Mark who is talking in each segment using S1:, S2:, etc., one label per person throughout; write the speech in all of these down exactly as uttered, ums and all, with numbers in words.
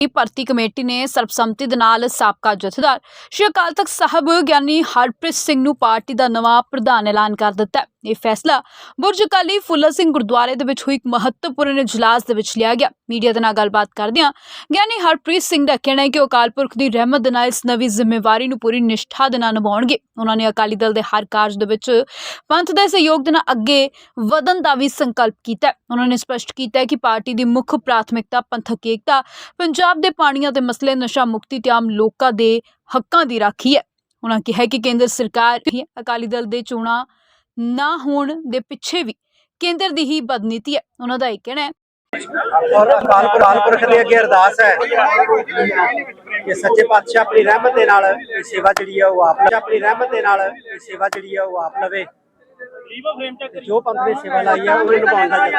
S1: ਭਰਤੀ ਕਮੇਟੀ ਨੇ ਸਰਬਸੰਮਤੀ ਦੇ ਨਾਲ ਸਾਬਕਾ ਜਥੇਦਾਰ ਸ਼੍ਰੀ ਅਕਾਲ ਤਖਤ ਸਾਹਿਬ ਗਿਆਨੀ ਹਰਪ੍ਰੀਤ ਸਿੰਘ ਨੂੰ ਪਾਰਟੀ ਦਾ ਨਵਾਂ ਪ੍ਰਧਾਨ ਐਲਾਨ ਕਰ ਦਿੱਤਾ। ਇਹ ਫੈਸਲਾ ਬੁਰਜ ਅਕਾਲੀ ਫੁੱਲਾ ਸਿੰਘ ਗੁਰਦੁਆਰੇ ਦੇ ਵਿੱਚ ਹੋਈ ਇੱਕ ਮਹੱਤਵਪੂਰਨ ਇਜਲਾਸ ਦੇ ਵਿੱਚ ਲਿਆ ਗਿਆ। ਮੀਡੀਆ ਦੇ ਨਾਲ ਗੱਲਬਾਤ ਕਰਦਿਆਂ ਗਿਆਨੀ ਹਰਪ੍ਰੀਤ ਸਿੰਘ ਦਾ ਕਹਿਣਾ ਹੈ ਕਿ ਉਹ ਅਕਾਲ ਪੁਰਖ ਦੀ ਰਹਿਮਤ ਦੇ ਨਾਲ ਇਸ ਨਵੀਂ ਜ਼ਿੰਮੇਵਾਰੀ ਨੂੰ ਪੂਰੀ ਨਿਸ਼ਠਾ ਦੇ ਨਾਲ ਨਿਭਾਉਣਗੇ। ਉਹਨਾਂ ਨੇ ਅਕਾਲੀ ਦਲ ਦੇ ਹਰ ਕਾਰਜ ਦੇ ਵਿੱਚ ਪੰਥ ਦੇ ਸਹਿਯੋਗ ਦੇ ਨਾਲ ਅੱਗੇ ਵਧਣ ਦਾ ਵੀ ਸੰਕਲਪ ਕੀਤਾ। ਉਹਨਾਂ ਨੇ ਸਪਸ਼ਟ ਕੀਤਾ ਕਿ ਪਾਰਟੀ ਦੀ ਮੁੱਖ ਪ੍ਰਾਥਮਿਕਤਾ ਪੰਥਕ ਏਕਤਾ, ਪੰਜਾਬ ਦੇ ਪਾਣੀਆਂ ਦੇ ਮਸਲੇ, ਨਸ਼ਾ ਮੁਕਤੀ ਤੇ ਆਮ ਲੋਕਾਂ ਦੇ ਹੱਕਾਂ ਦੀ ਰਾਖੀ ਹੈ। ਉਹਨਾਂ ਕਿਹਾ ਕਿ ਕੇਂਦਰ ਸਰਕਾਰ ਅਕਾਲੀ ਦਲ ਦੇ ਚੋਣਾਂ ਨਾ ਹੋਣ ਦੇ ਪਿੱਛੇ ਵੀ ਕੇਂਦਰ ਦੀ ਹੀ ਬਦਨੀਤੀ ਹੈ। ਉਹਨਾਂ ਦਾ ਇਹ ਕਹਿਣਾ ਹੈ
S2: और अकाल अकाल पुरख दे अगे अरदास है कि सच्चे पातशाह अपनी रहमत दे नाल सेवा जिहड़ी है वो आप अपनी रहमत दे नाल सेवा जिहड़ी है वो आप लवे। जो पंथ ने सेवा लाई है उन्हें निभाउण दा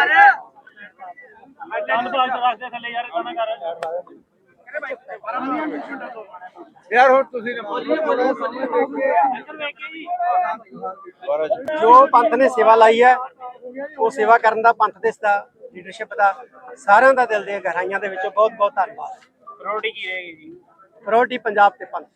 S2: यार हो तुसीं जो पंथ ने सेवा लाई है वो सेवा करन दा पंथ दे दा लीडरशिप का सारिਆਂ ਦਾ ਦਿਲ ਦੀਆਂ ਗਹਿਰਾਈਆਂ ਦੇ ਵਿੱਚੋਂ ਬਹੁਤ ਬਹੁਤ ਧੰਨਵਾਦ। ਪ੍ਰਾਇੋਰਟੀ ਕੀ ਰਹੇਗੀ ਜੀ? ਪ੍ਰਾਇੋਰਟੀ ਪੰਜਾਬ ਤੇ ਪੰਥ।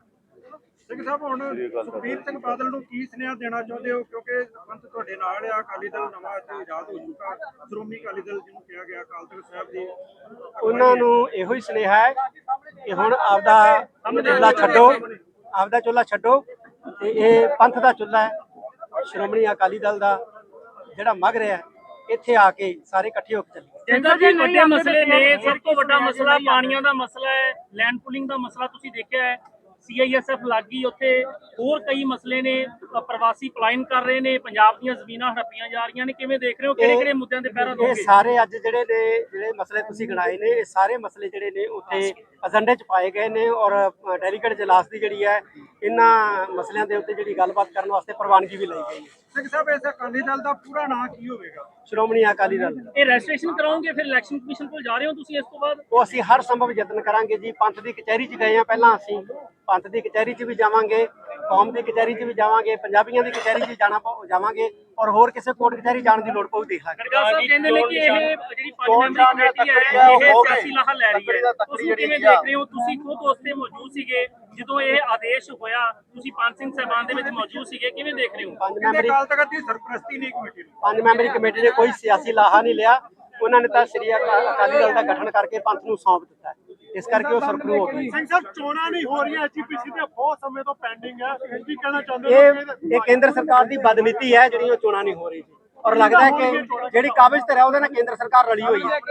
S3: ਸਿੰਘ ਸਾਹਿਬ ਹੁਣ ਸੁਖਬੀਰ ਸਿੰਘ ਬਾਦਲ ਨੂੰ ਕੀ ਸੁਨੇਹਾ ਦੇਣਾ ਚਾਹੁੰਦੇ ਹੋ, ਕਿਉਂਕਿ ਪੰਥ ਤੁਹਾਡੇ ਨਾਲ ਆ, ਅਕਾਲੀ ਦਲ ਨਵਾਂ ਇੱਥੇ ਆਜ਼ਾਦ ਹੋ ਚੁੱਕਾ, ਸ਼੍ਰੋਮਣੀ ਅਕਾਲੀ ਦਲ ਜਿਹਨੂੰ ਕਿਹਾ ਗਿਆ ਅਕਾਲ ਤਖਤ ਸਾਹਿਬ ਦੀ,
S2: ਉਹਨਾਂ ਨੂੰ ਇਹੋ ਹੀ ਸੁਨੇਹਾ ਹੈ ਕਿ ਹੁਣ ਆਪਦਾ ਚੁੱਲ੍ਹਾ ਛੱਡੋ, ਆਪਦਾ ਚੁੱਲ੍ਹਾ ਛੱਡੋ ਤੇ ਇਹ ਪੰਥ ਦਾ ਚੁੱਲ੍ਹਾ ਹੈ, ਸ਼੍ਰੋਮਣੀ ਅਕਾਲੀ ਦਲ ਦਾ ਜਿਹੜਾ ਮਗ ਰਿਹਾ ਇੱਥੇ ਆ ਕੇ ਸਾਰੇ ਇਕੱਠੇ ਹੋ ਕੇ ਚੱਲੇ।
S4: ਜਿੰਦਾ ਜੀ ਵੱਡੇ ਮਸਲੇ ਨੇ, ਸਭ ਤੋਂ ਵੱਡਾ ਮਸਲਾ ਪਾਣੀਆਂ ਦਾ ਮਸਲਾ ਹੈ, ਲੈਂਡ ਪੂਲਿੰਗ ਦਾ ਮਸਲਾ ਤੁਸੀਂ ਦੇਖਿਆ ਹੈ, ਸੀ ਆਈ ਐਸ ਐਫ ਲੱਗੀ ਉੱਥੇ, ਹੋਰ ਕਈ ਮਸਲੇ ਨੇ, ਪ੍ਰਵਾਸੀ ਪਲਾਇਨ ਕਰ ਰਹੇ ਨੇ, ਪੰਜਾਬ ਦੀਆਂ ਜ਼ਮੀਨਾਂ ਹੜੱਪੀਆਂ ਜਾ ਰਹੀਆਂ ਨੇ, ਕਿਵੇਂ ਦੇਖ ਰਹੇ ਹੋ, ਕਿਹੜੇ ਕਿਹੜੇ ਮੁੱਦਿਆਂ ਤੇ ਪਹਿਰਾ ਦੋਗੇ?
S2: ਇਹ ਸਾਰੇ ਅੱਜ ਜਿਹੜੇ ਨੇ ਜਿਹੜੇ ਮਸਲੇ ਤੁਸੀਂ ਗਿਣਾਏ ਨੇ, ਇਹ ਸਾਰੇ ਮਸਲੇ ਜਿਹੜੇ ਨੇ ਉੱਥੇ ਏਜੰਡੇ 'ਚ ਪਾਏ ਗਏ ਨੇ ਔਰ ਡੈਲੀਗੇਟ ਇਜਲਾਸ ਦੀ ਜਿਹੜੀ ਹੈ ਇਹਨਾਂ ਮਸਲਿਆਂ ਦੇ ਉੱਤੇ ਜਿਹੜੀ ਗੱਲਬਾਤ ਕਰਨ ਵਾਸਤੇ ਪ੍ਰਵਾਨਗੀ ਵੀ ਲਈ ਗਈ ਹੈ।
S3: ਸਿੰਘ ਸਾਹਿਬ ਇਸ ਅਕਾਲੀ ਦਲ ਦਾ ਪੂਰਾ ਨਾਂ ਕੀ ਹੋਵੇਗਾ?
S2: ਸ਼੍ਰੋਮਣੀ ਅਕਾਲੀ ਦਲ।
S4: ਇਹ ਰਜਿਸਟ੍ਰੇਸ਼ਨ ਕਰਾਓਗੇ, ਫਿਰ ਇਲੈਕਸ਼ਨ ਕਮਿਸ਼ਨ ਕੋਲ ਜਾ ਰਹੇ ਹੋ ਤੁਸੀਂ ਇਸ ਤੋਂ ਬਾਅਦ?
S2: ਉਹ ਅਸੀਂ ਹਰ ਸੰਭਵ ਯਤਨ ਕਰਾਂਗੇ ਜੀ। ਪੰਥ ਦੀ ਕਚਹਿਰੀ 'ਚ ਗਏ ਆ ਪਹਿਲਾਂ, ਅਸੀਂ ਪੰਥ ਦੀ ਕਚਹਿਰੀ 'ਚ ਵੀ ਜਾਵਾਂਗੇ, ਕੌਮ ਦੀ ਕਚਹਿਰੀ 'ਚ ਵੀ ਜਾਵਾਂਗੇ, ਪੰਜਾਬੀਆਂ ਦੀ ਕਚਹਿਰੀ 'ਚ ਜਾਣਾ ਜਾਵਾਂਗੇ ਔਰ ਹੋਰ ਕਿਸੇ ਕੋਰਟ ਕਚਹਿਰੀ ਜਾਣ ਦੀ ਲੋੜ ਪਊ ਦੇਖਾਂਗੇ।
S4: ਗਰਗਾ ਸਾਹਿਬ ਕਹਿੰਦੇ ਨੇ ਕਿ ਇਹ ਜਿਹੜੀ ਪੰਜ ਮੈਂਬਰੀ ਕਮੇਟੀ ਹੈ ਇਹ ਸਿਆਸੀ ਲਾਹਾ ਲੈ ਰਹੀ ਹੈ, ਤੁਸੀਂ ਕਿਵੇਂ ਦੇਖ ਰਹੇ ਹੋ? ਤੁਸੀਂ ਖੁਦ ਉਸ ਤੇ ਮੌਜੂਦ ਸੀਗੇ ਜਦੋਂ ਇਹ ਆਦੇਸ਼ ਹੋਇਆ, ਤੁਸੀਂ ਪੰਜ ਸਿੰਘ ਸਾਹਿਬਾਨ ਦੇ ਵਿੱਚ ਮੌਜੂਦ ਸੀਗੇ, ਕਿਵੇਂ ਦੇਖ ਰਹੇ ਹੋ?
S2: ਪੰਜ ਮੈਂਬਰੀ
S3: ਅਕਾਲ ਤਖਤ ਦੀ ਸਰਪ੍ਰਸਤੀ ਨਹੀਂ ਕਮੇਟੀ ਨੂੰ
S2: ਪੰਜ ਮੈਂਬਰੀ ਕਮੇਟੀ ਨੇ ਕੋਈ ਸਿਆਸੀ ਲਾਹਾ ਨਹੀਂ ਲਿਆ। ਉਹਨਾਂ ਨੇ ਤਾਂ ਸ੍ਰੀ ਅਕਾਲੀ ਦਲ ਦਾ ਗਠਨ ਕਰਕੇ ਪੰਥ ਨੂੰ ਸੌਂਪ ਦਿੱਤਾ ਹੈ, ਇਸ ਕਰਕੇ ਉਹ ਸਰਪਰੂ ਹੋ ਗਈ।
S3: ਸਿੰਘ ਸਾਹਿਬ ਚੋਣਾਂ ਨਹੀਂ ਹੋ ਰਹੀਆਂ, ਐਚ ਪੀ ਸੀ ਦੇ ਬਹੁਤ ਸਮੇਂ ਤੋਂ ਪੈਂਡਿੰਗ ਹੈ, ਕੀ ਕਹਿਣਾ ਚਾਹੁੰਦੇ
S2: ਇਹ ਇਹ ਕੇਂਦਰ ਸਰਕਾਰ ਦੀ ਬਦਨੀਤੀ ਹੈ ਜਿਹੜੀ ਉਹ ਚੋਣਾਂ ਨਹੀਂ ਹੋ ਰਹੀ ਜੀ, ਔਰ ਲੱਗਦਾ ਹੈ ਕਿ ਜਿਹੜੀ ਕਾਬਜ਼ ਤੇ ਹੈ ਉਹਦੇ ਨਾਲ ਕੇਂਦਰ ਸਰਕਾਰ ਰਲੀ ਹੋਈ ਹੈ।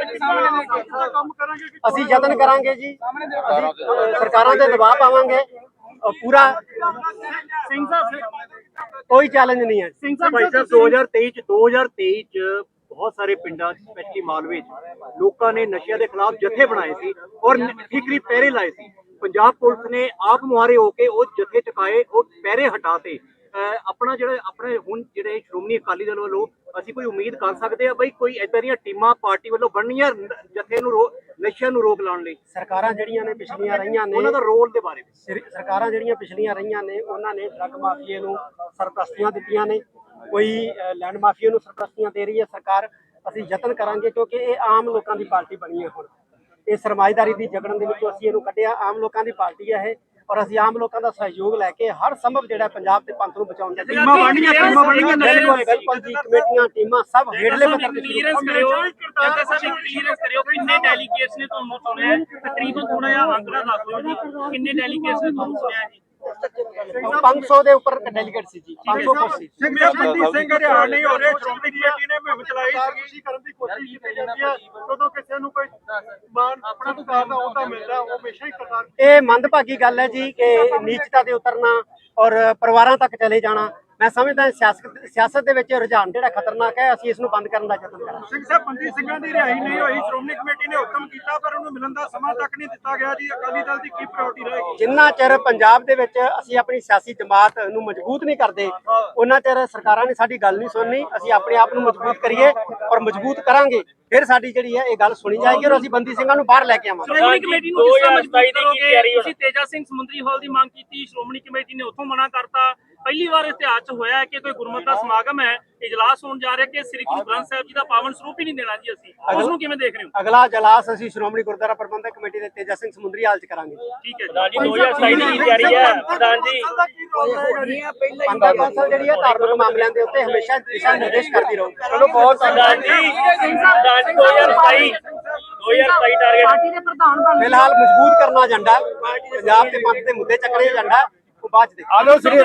S3: ਕੰਮ ਕਰਾਂਗੇ ਕਿ
S2: ਅਸੀਂ ਯਤਨ ਕਰਾਂਗੇ ਜੀ, ਅਸੀਂ ਸਰਕਾਰਾਂ ਤੇ ਦਬਾਅ ਪਾਵਾਂਗੇ ਪੂਰਾ।
S4: ਸਿੰਘ ਸਾਹਿਬ
S2: ਕੋਈ ਚੈਲੰਜ ਨਹੀਂ ਹੈ।
S4: ਸਿੰਘ ਸਾਹਿਬ
S5: ਭਾਈ ਸਾਹਿਬ ਦੋ ਹਜ਼ਾਰ ਤੇਈ ਚ ਦੋ ਹਜ਼ਾਰ ਤੇਈ ਚ ਬਹੁਤ ਸਾਰੇ ਪਿੰਡਾਂ ਸਪੈਸ਼ਲੀ ਮਾਲਵੇ ਚ ਲੋਕਾਂ ਨੇ ਨਸ਼ਿਆਂ ਦੇ ਖਿਲਾਫ ਜਥੇ ਬਣਾਏ ਸੀ ਔਰ ਠੀਕਰੀ ਪਹਿਰੇ ਲਾਏ ਸੀ। ਪੰਜਾਬ ਪੁਲਿਸ ਨੇ ਆਪ ਮੁਹਾਰੇ ਹੋ ਕੇ ਉਹ ਜਥੇ ਚੁਕਾਏ, ਉਹ ਪਹਿਰੇ ਹਟਾਤੇ। ਆਪਣਾ ਜਿਹੜੇ ਆਪਣੇ ਹੁਣ ਜਿਹੜੇ ਸ਼੍ਰੋਮਣੀ ਅਕਾਲੀ ਦਲ ਵੱਲੋਂ ਅਸੀਂ ਕੋਈ ਉਮੀਦ ਕਰ ਸਕਦੇ ਆ ਬਈ ਕੋਈ ਏਦਾਂ ਦੀਆਂ ਟੀਮਾਂ ਪਾਰਟੀ ਵੱਲੋਂ ਬਣਨੀਆਂ ਜਥੇ ਨੂੰ ਨਸ਼ਿਆਂ ਨੂੰ ਰੋਕ ਲਾਉਣ ਲਈ?
S2: ਸਰਕਾਰਾਂ ਜਿਹੜੀਆਂ ਨੇ ਪਿਛਲੀਆਂ ਰਹੀਆਂ ਨੇ,
S5: ਉਹਨਾਂ ਦਾ ਰੋਲ ਦੇ ਬਾਰੇ ਵਿੱਚ
S2: ਸਰਕਾਰਾਂ ਜਿਹੜੀਆਂ ਪਿਛਲੀਆਂ ਰਹੀਆਂ ਨੇ ਉਹਨਾਂ ਨੇ ਡਰੱਗ ਮਾਫੀਏ ਨੂੰ ਸਰਪ੍ਰਸਤੀਆਂ ਦਿੱਤੀਆਂ ਨੇ, ਕੋਈ ਲੈਂਡ ਮਾਫੀਏ ਨੂੰ ਸਰਪ੍ਰਸਤੀਆਂ ਦੇ ਰਹੀ ਹੈ ਸਰਕਾਰ। ਅਸੀਂ ਯਤਨ ਕਰਾਂਗੇ ਕਿਉਂਕਿ ਇਹ ਆਮ ਲੋਕਾਂ ਦੀ ਪਾਰਟੀ ਬਣੀ ਹੈ। ਹੁਣ ਇਹ ਸਰਮਾਏਦਾਰੀ ਦੀ ਜਗੜਨ ਦੇ ਵਿੱਚੋਂ ਅਸੀਂ ਇਹਨੂੰ ਕੱਢਿਆ, ਆਮ ਲੋਕਾਂ ਦੀ ਪਾਰਟੀ ਹੈ ਇਹ, ਔਰ ਅਸੀਂ ਆਮ ਲੋਕਾਂ ਦਾ ਸਹਿਯੋਗ ਲੈ ਕੇ ਹਰ ਸੰਭਵ ਜਿਹੜਾ ਪੰਜਾਬ ਤੇ ਪੰਥ ਨੂੰ ਬਚਾਉਣ ਦਾ
S3: ਟੀਮਾਂ ਬਣਨੀਆਂ, ਟੀਮਾਂ ਬਣਨੀਆਂ,
S2: ਬਿਲਕੁਲ ਬਿਲਕੁਲ ਜੀ। ਕਮੇਟੀਆਂ ਟੀਮਾਂ ਸਭ ਹੇਠਲੇ ਪੱਧਰ ਤੇ
S4: ਕਲੀਅਰੈਂਸ ਕਰਿਓ, ਜੱਗਾ ਸਾਹਿਬ ਕਲੀਅਰੈਂਸ ਕਰਿਓ, ਕਿੰਨੇ ਡੈਲੀਗੇਟਸ ਨੇ ਤੁਹਾਨੂੰ ਸੁਣਿਆ? ਤਕਰੀਬਨ ਥੋੜਾ ਜਿਹਾ ਅੰਕੜਾ ਦੱਸ ਦਿਓ ਜੀ, ਕਿੰਨੇ ਡੈਲੀਗੇਟਸ ਨੇ ਤੁਹਾਨੂੰ ਸੁਣਿਆ ਜੀ?
S2: ਪੰਜ ਸੌ ਦੇ ਉੱਪਰ ਡੈਲੀਗੇਟ ਸੀ ਜੀ, ਪੰਜ ਸੌ ਕੁਰਸੀ।
S3: ਸਿੰਘ ਸਾਹਿਬ ਬੰਦੀ ਸਿੰਘ ਹਰਿਆਣਾ ਨਹੀਂ ਹੋ ਰਹੇ, ਸ਼੍ਰੋਮਣੀ ਕਮੇਟੀ ਨੇ ਮੁਹਿੰਮ ਚਲਾਈ ਸੀ ਕਰਨ ਦੀ ਕੋਸ਼ਿਸ਼ ਕੀਤੀ ਜਾਂਦੀ ਹੈ, ਜਦੋਂ ਕਿਸੇ ਨੂੰ ਕੋਈ ਮਾਨ ਆਪਣਾ ਸਰਕਾਰ ਦਾ ਅਹੁਦਾ ਮਿਲਦਾ ਉਹ ਹਮੇਸ਼ਾ ਹੀ ਕਰਤਾਰ।
S2: ਇਹ ਮੰਦਭਾਗੀ ਗੱਲ ਹੈ ਜੀ ਕਿ ਨੀਚਤਾ ਤੇ ਉਤਰਨਾ ਔਰ ਪਰਿਵਾਰਾਂ ਤੱਕ ਚਲੇ ਜਾਣਾ। ਮੈਂ ਸਮਝਦਾ ਸਿਆਸਤ ਸਿਆਸਤ ਦੇ ਵਿੱਚ ਰੁਝਾਨ ਜਿਹੜਾ ਖਤਰਨਾਕ ਹੈ, ਅਸੀਂ ਇਸ ਨੂੰ ਬੰਦ ਕਰਨ ਦਾ ਯਤਨ ਕਰਾਂਗੇ।
S3: ਸਿੰਘ ਸਾਹਿਬ ਬੰਦੀ ਸਿੰਘਾਂ ਦੀ ਰਿਹਾਈ ਨਹੀਂ ਹੋਈ, ਸ਼੍ਰੋਮਣੀ ਕਮੇਟੀ ਨੇ ਹੁਕਮ ਕੀਤਾ ਪਰ ਉਹਨੂੰ ਮਿਲਣ ਦਾ ਸਮਾਂ ਤੱਕ ਨਹੀਂ ਦਿੱਤਾ ਗਿਆ ਜੀ। ਅਕਾਲੀ ਦਲ ਦੀ ਕੀ ਪ੍ਰਾਇੋਰਟੀ ਰਹੇਗੀ?
S2: ਜਿੰਨਾ ਚਿਰ ਪੰਜਾਬ ਦੇ ਵਿੱਚ ਅਸੀਂ ਆਪਣੀ ਸਿਆਸੀ ਜਮਾਤ ਨੂੰ ਮਜ਼ਬੂਤ ਨਹੀਂ ਕਰਦੇ, ਉਹਨਾਂ ਚਿਰ ਸਰਕਾਰਾਂ ਨੇ ਸਾਡੀ ਗੱਲ ਨਹੀਂ ਸੁਣਨੀ। ਅਸੀਂ ਆਪਣੇ ਆਪ ਨੂੰ ਮਜ਼ਬੂਤ ਕਰੀਏ ਔਰ ਮਜ਼ਬੂਤ ਕਰਾਂਗੇ, ਫਿਰ ਸਾਡੀ ਜਿਹੜੀ ਹੈ ਇਹ ਗੱਲ ਸੁਣੀ ਜਾਏਗੀ ਔਰ ਅਸੀਂ ਬੰਦੀ ਸਿੰਘਾਂ ਨੂੰ ਬਾਹਰ ਲੈ ਕੇ ਆਵਾਂਗੇ।
S4: ਸ਼੍ਰੋਮਣੀ ਕਮੇਟੀ ਨੂੰ ਕਿਸ ਤਰ੍ਹਾਂ ਮਜ਼ਬੂਤ ਕਰੋਗੇ? ਤੁਸੀਂ ਤੇਜਾ ਸਿੰਘ ਸਮੁੰਦਰੀ ਹਾਲ ਦੀ ਮੰਗ ਕੀਤੀ, ਸ਼੍ਰੋਮਣੀ ਕਮੇਟੀ ਨੇ ਉੱਥੋਂ ਮਨਾ ਕਰਤਾ। ਪਹਿਲੀ ਵਾਰ ਇਤਿਹਾਸ 'ਚ ਹੋਇਆ ਹੈ ਕਿ ਕੋਈ ਗੁਰਮਤਿ ਦਾ ਸਮਾਗਮ ਹੈ, ਇਜਲਾਸ ਹੋਣ ਜਾ ਰਿਹਾ ਕਿ ਸ੍ਰੀ ਗੁਰੂ ਗ੍ਰੰਥ ਸਾਹਿਬ ਜੀ ਦਾ ਪਾਵਨ ਸਰੂਪ ਹੀ ਨਹੀਂ ਦੇਣਾ ਜੀ ਅਸੀਂ, ਉਸ ਨੂੰ ਕਿਵੇਂ ਦੇਖ ਰਹੇ ਹੋ?
S2: ਅਗਲਾ ਜਲਾਸ ਅਸੀਂ ਸ਼੍ਰੋਮਣੀ ਗੁਰਦੁਆਰਾ ਪ੍ਰਬੰਧਕ ਕਮੇਟੀ ਦੇ ਤੇਜਾ ਸਿੰਘ ਸਮੁੰਦਰੀ ਹਾਲ ਚ ਕਰਾਂਗੇ।
S4: ਠੀਕ ਹੈ ਜੀ, ਦੋ ਹਜ਼ਾਰ ਸਤਾਈ ਦੀ ਤਿਆਰੀ ਹੈ ਪ੍ਰਧਾਨ ਜੀ।
S2: ਪੰਥਕ ਕੌਂਸਲ ਜਿਹੜੀ ਹੈ ਧਾਰਮਿਕ ਮਾਮਲਿਆਂ ਦੇ ਉੱਤੇ ਹਮੇਸ਼ਾ ਦਿਸ਼ਾ ਨਿਰਦੇਸ਼ ਕਰਦੀ ਰਹੂ। ਚਲੋ ਬਹੁਤ
S4: ਪ੍ਰਧਾਨ ਜੀ, ਪ੍ਰਧਾਨ ਜੀ ਦੋ ਹਜ਼ਾਰ ਸਤਾਈ ਦੋ ਹਜ਼ਾਰ ਸਤਾਈ ਟਾਰਗੇਟ
S2: ਫਿਲਹਾਲ ਮਜ਼ਬੂਤ ਕਰਨਾ ਏਜੰਡਾ, ਪੰਜਾਬ ਦੇ ਪੰਥ ਦੇ ਮੁੱਦੇ ਚੱਕਣੇ ਏਜੰਡਾ, ਉਹ ਬਾਅਦ ਚ ਦੇਖਾਂਗੇ।
S3: ਆਲੋ ਸ੍ਰੀ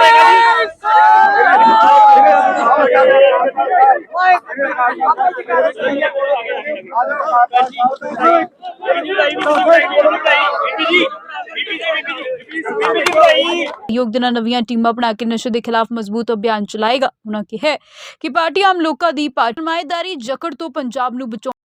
S1: ਯੋਗ ਦੀਆਂ ਨਵੀਆਂ ਟੀਮਾਂ ਬਣਾ ਕੇ ਨਸ਼ੇ ਦੇ ਖਿਲਾਫ ਮਜ਼ਬੂਤ ਅਭਿਆਨ ਚਲਾਏਗਾ। ਉਹਨਾਂ ਕਿਹਾ ਕਿ ਪਾਰਟੀ ਆਮ ਲੋਕਾਂ ਦੀ ਪਾਰਟੀਮਾਏਦਾਰੀ ਜਕੜ ਤੋਂ ਪੰਜਾਬ ਨੂੰ ਬਚਾਉਣ